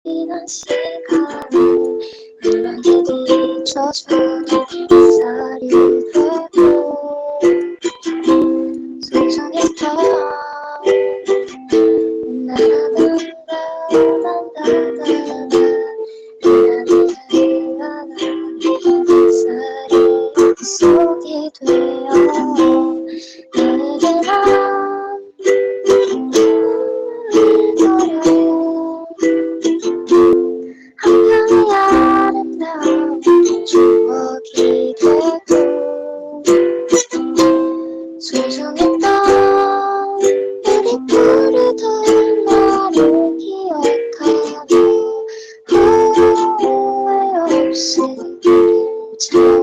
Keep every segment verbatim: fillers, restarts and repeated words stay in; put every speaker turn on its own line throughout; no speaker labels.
지난 시간은 물론이기 조선의 햇살이 되고 소중했던 나나나나나나나나나 햇살이 속이 되어 너에게만 그려요 한편의 아름다운 추억이 되고 소중했던 우리 부르던 나를 기억하며 후회 없이 그림처럼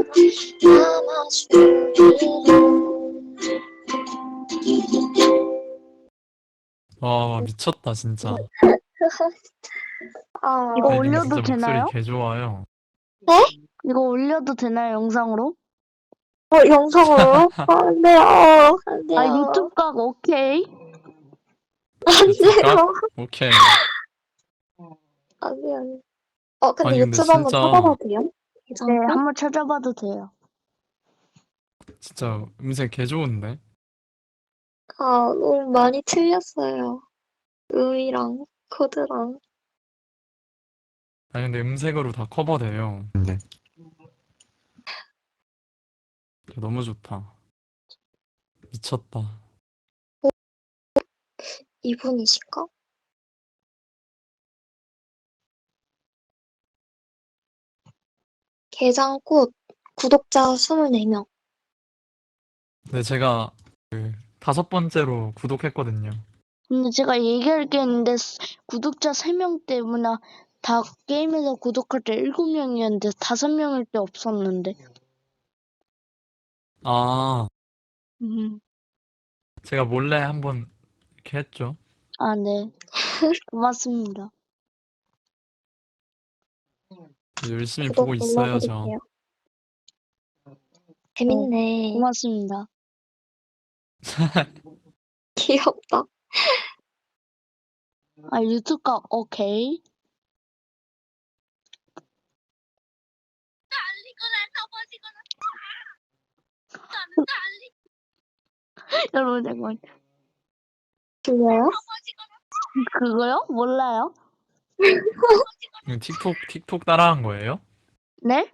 남아주기를.
와 미쳤다 진짜.
아,
이거
네, 님
올려도
진짜 목소리
되나요?
개 좋아요.
이거 올려도 되나요, 영상으로?
어, 영상으로? 안 돼요. 안 돼요.
아, 유튜브 각 오케이.
안
유튜브가?
돼요.
오케이.
안 돼요. 안 돼요. 어, 근데
아니 근데
유튜브 한번
진짜
찾아봐도 돼요?
네,
괜찮고?
한번 찾아봐도 돼요.
진짜 음색 개 좋은데?
아, 너무 많이 틀렸어요. 음이랑 코드랑.
아니 근데 음색으로 다 커버돼요.
네.
너무 좋다. 미쳤다.
이분이실까? 게장꽃 구독자 이십사 명.
근데 제가 그 다섯 번째로 구독했거든요.
근데 제가 얘기할 게 있는데 스- 구독자 세 명 때문에 다 게임에서 구독할 때 일곱 명이었는데 다섯 명일 때 없었는데.
아
음.
제가 몰래 한번 이렇게 했죠.
아, 네. 고맙습니다.
열심히
구독
보고 있어요 저.
눌러드릴게요. 재밌네.
고맙습니다.
귀엽다.
아, 유튜브 각 오케이. 여러분, 잠깐만.
들려요?
그거요? 몰라요?
이거 틱톡 틱톡 따라한 거예요?
네?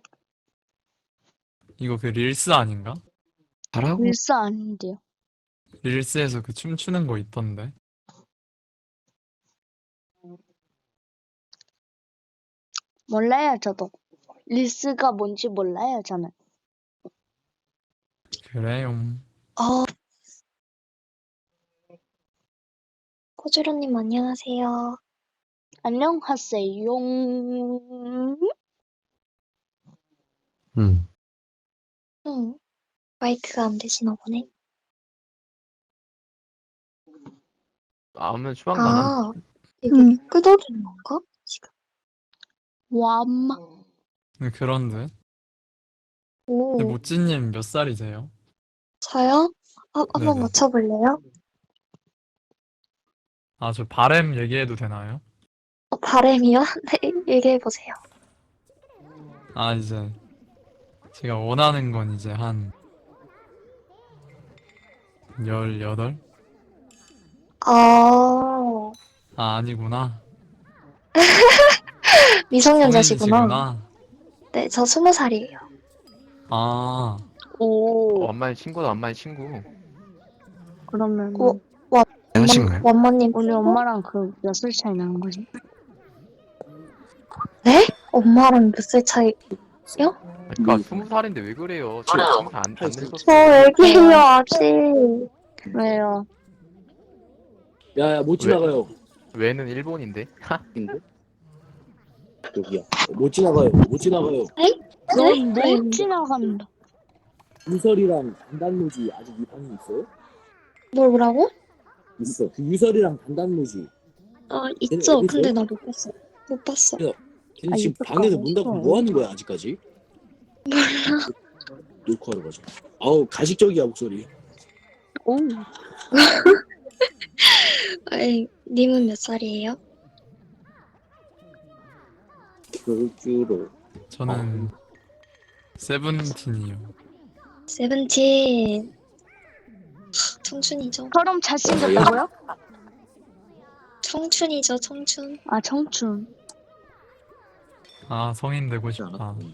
이거 그 릴스 아닌가?
잘하고
밀사 아닌데요.
릴스에서 그 춤추는 거 있던데.
몰라요, 저도. 리스가 뭔지 몰라요, 저는.
그래요.
어. 코주로님 안녕하세요.
안녕하세요.
음.
응. 마이크가 안 되시나 보네.
아무튼 추방 가능.
아, 이거
음.
끄덕이는 건가? 지금.
와마.
네, 그런 듯.
오,
근데 모찌님 몇 살이세요?
저요? 아, 한번
네네.
맞춰볼래요?
아, 저 바램 얘기해도 되나요?
어, 바램이요? 네, 얘기해보세요.
아, 이제 제가 원하는 건 이제 한 열여덟?
아,
아, 아니구나.
미성년자시구나.
성인이시구나.
네, 저 스무 살이에요.
아,
오.
어, 엄마의 친구다, 엄마의 친구.
그러면
오, 와,
안녕하신가요?
원모님.
우리 엄마랑 그 몇 살 차이 나는 거지?
네? 엄마랑 몇 살 차이?
그러니까 스무 살인데 왜 그래요? 지금 스무 살안 안
저
늙었어요.
애기예요, 아직.
왜요?
야야 못
왜?
지나가요.
왜는 일본인데?
인데? 여기야. 못 지나가요. 못 지나가요.
넌
네?
못 지나간다.
유설이랑 단단무지 아직 위반이 있어요?
뭘 뭐라고?
있어. 그 유설이랑 단단무지.
아,
걔네
있죠.
어디
근데
있어요?
나 못 봤어. 못 봤어.
걔네
아,
지금
유튜브
방에서
가고
문 닫고
있어.
뭐 하는 거야 아직까지? 몰라. 녹화하러 가자. 아우 가식적이야 목소리.
오.
아이, 님은 몇 살이에요?
그주로
저는 세븐틴이요.
세븐틴. 청춘이죠.
저럼 잘생겼다고요?
청춘이죠, 청춘.
아 청춘.
아 성인 되고
하지
싶다.
않았고.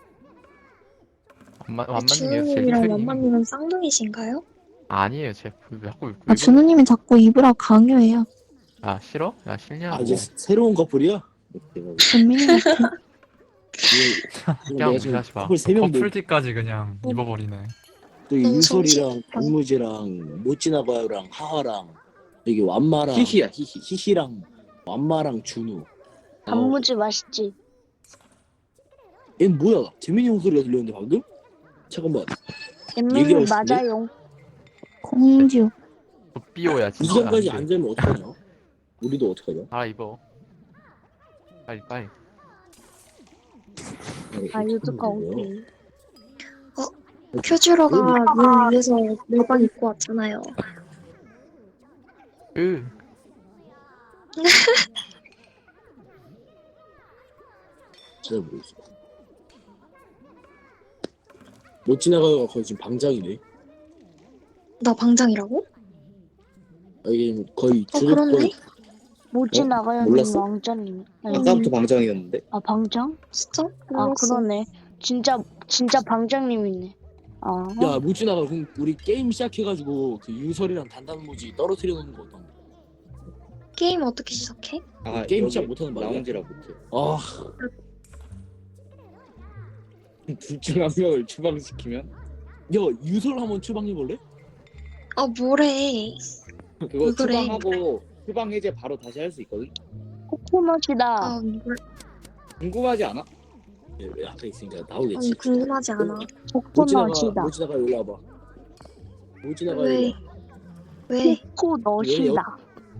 완만 완만님이요. 제
주은님이랑
핑크님.
완만님은 쌍둥이신가요?
아니에요. 제 왜 자꾸 왜
아,
그래?
준우님이 자꾸 입으라 강요해요.
아 싫어? 야 싫냐고.
아 이제 새로운 커플이야?
전민이 같아.
그냥 무시하지 마.
커플 세명
커플티까지 그냥 입어버리네.
또
너무
유솔이랑
정신없다.
박무지랑 못 지나가요랑 하하랑 여기 완마랑
히히야, 히히.
히히랑 완마랑 준우. 아,
단무지 맛있지.
얜 뭐야? 재민이 형 소리가 들렸는데 방금? 잠깐만.
엠밀리
얘기하고 싶은데?
맞아요.
공주.
삐오야 진짜.
이전까지
안
안
돼.
되면 어떡하냐? 우리도 어떡하냐?
알아 입어. 빨리 빨리.
아 유튜브 오케이.
큐주로가 물 위에서 물방 입고 왔잖아요.
으.
진짜 모르겠어. 못 지나가요가 거의 지금 방장이네.
나 방장이라고?
아, 이게 거의
어,
주도권.
그렇네?
뭐지
어?
나가요
몰랐어?
왕자님. 아니,
아까부터 방장이었는데.
아 방장?
진짜?
아
몰랐어.
그러네. 진짜 진짜 방장님이네. 아
야, 못 지나가. 그럼 우리 게임 시작해가지고 그 유설이랑 단단무지 떨어뜨려 놓는 거 어떤가?
게임 어떻게 시작해?
아,
게임
여기
시작 못하는 말이야?
라운지라 못해.
아,
둘 중 한 명을 추방시키면
야, 유설 한번 추방해 볼래?
아, 뭐래.
그거
왜 그래?
추방하고 추방 해제 바로 다시 할 수 있거든.
코코넛이다.
아, 뭘,
궁금하지 않아?
예, 왜 앞에 있으니까
아니,
나오겠지.
궁금하지 않아.
못 지나가,
코코넛이다.
못 지나가 일로 와봐. 못 지나가
왜?
일로 와.
왜?
코코넛이다.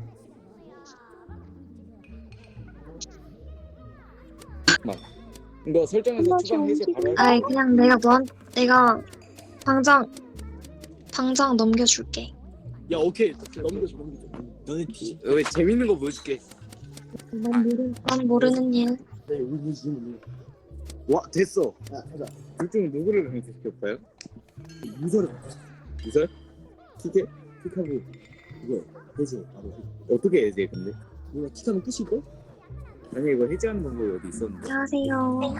이거 설정해서 추방 해제 바로 할 수
아이,
있거든.
그냥 내가 너한, 내가 방장, 방장 넘겨줄게.
야, 오케이. 넘겨줘, 넘겨줘. 너네 뒤.
왜 재밌는 거 보여줄게.
난, 모르, 난 모르는 일.
네, 우리 지금
와 됐어. 야, 하자. 둘 중 누구를 강퇴시킬까요?
유설을
유설?
킥해, 킥하고 이거 해제 바로.
어떻게 해제 근데?
누가 킥하면 끝일걸?
아니 이거 해제하는 방법이 어디 있었는데?
안녕하세요.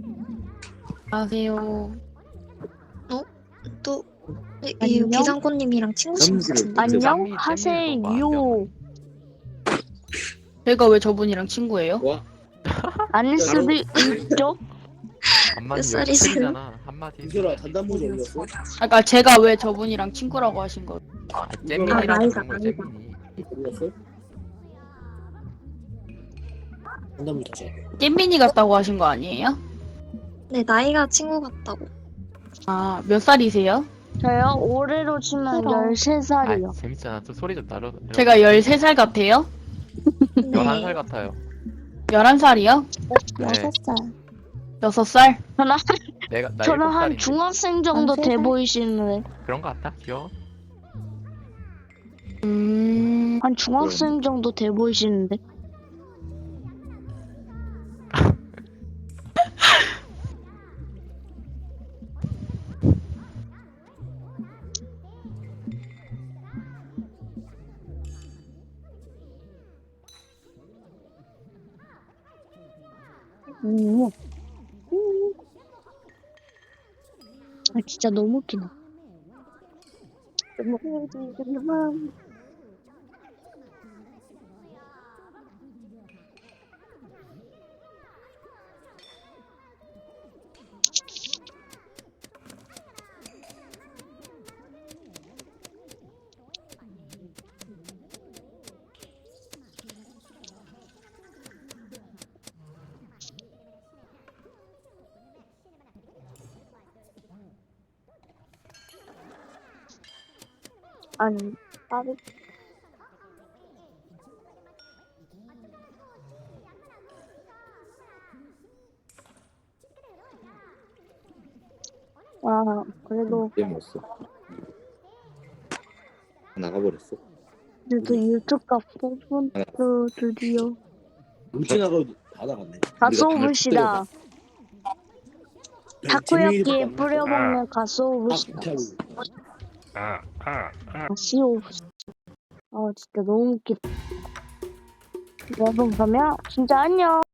안녕하세요.
또, 이, 이
안녕?
비상꽃님이랑 친구신 것
짬지를
같은데.
안녕
짬이-
하세요.
짬이 너무
제가 왜 저분이랑 친구예요?
와
아닐 수도 있죠.
한마디
몇 살이세요?
열심이잖아. 한마디.
유설아, 단단무지 어디 갔어?
아까 제가 왜 저분이랑 친구라고 하신 거?
아,
아,
잼민이랑
나이가,
그런 걸
나이가.
잼민이.
어디 갔어? 단단무지 다시 해.
잼민이 같다고 하신 거 아니에요?
네, 나이가 친구 같다고.
아, 몇 살이세요?
저요 올해로 치면
싫어.
열세 살이요.
아 재밌잖아. 또 소리 좀 나려.
제가 열세 살 같아요?
열한 살 같아요.
열한 살이요?
네.
여섯 살.
여섯 살?
저는
내가 나
저는
일곱
한
살인데.
중학생 정도
한
돼
세 살?
보이시는데
그런 거 같다. 귀여워.
음,
한 중학생 정도 돼 보이시는데 음. 음. 아 진짜 너무 웃기다. 너무 아니 나도 와 그래도
얘 뭐였어? 나가버렸어.
그래도 유튜브 뽑은 또 드디어
못 지나가 받아갔네.
가소부시다. 타코야끼에
아,
뿌려먹는 가소부시다.
아, 아, 아.
가시오부시. 아 진짜 너무 웃기다. 여러분 그러면 진짜 안녕.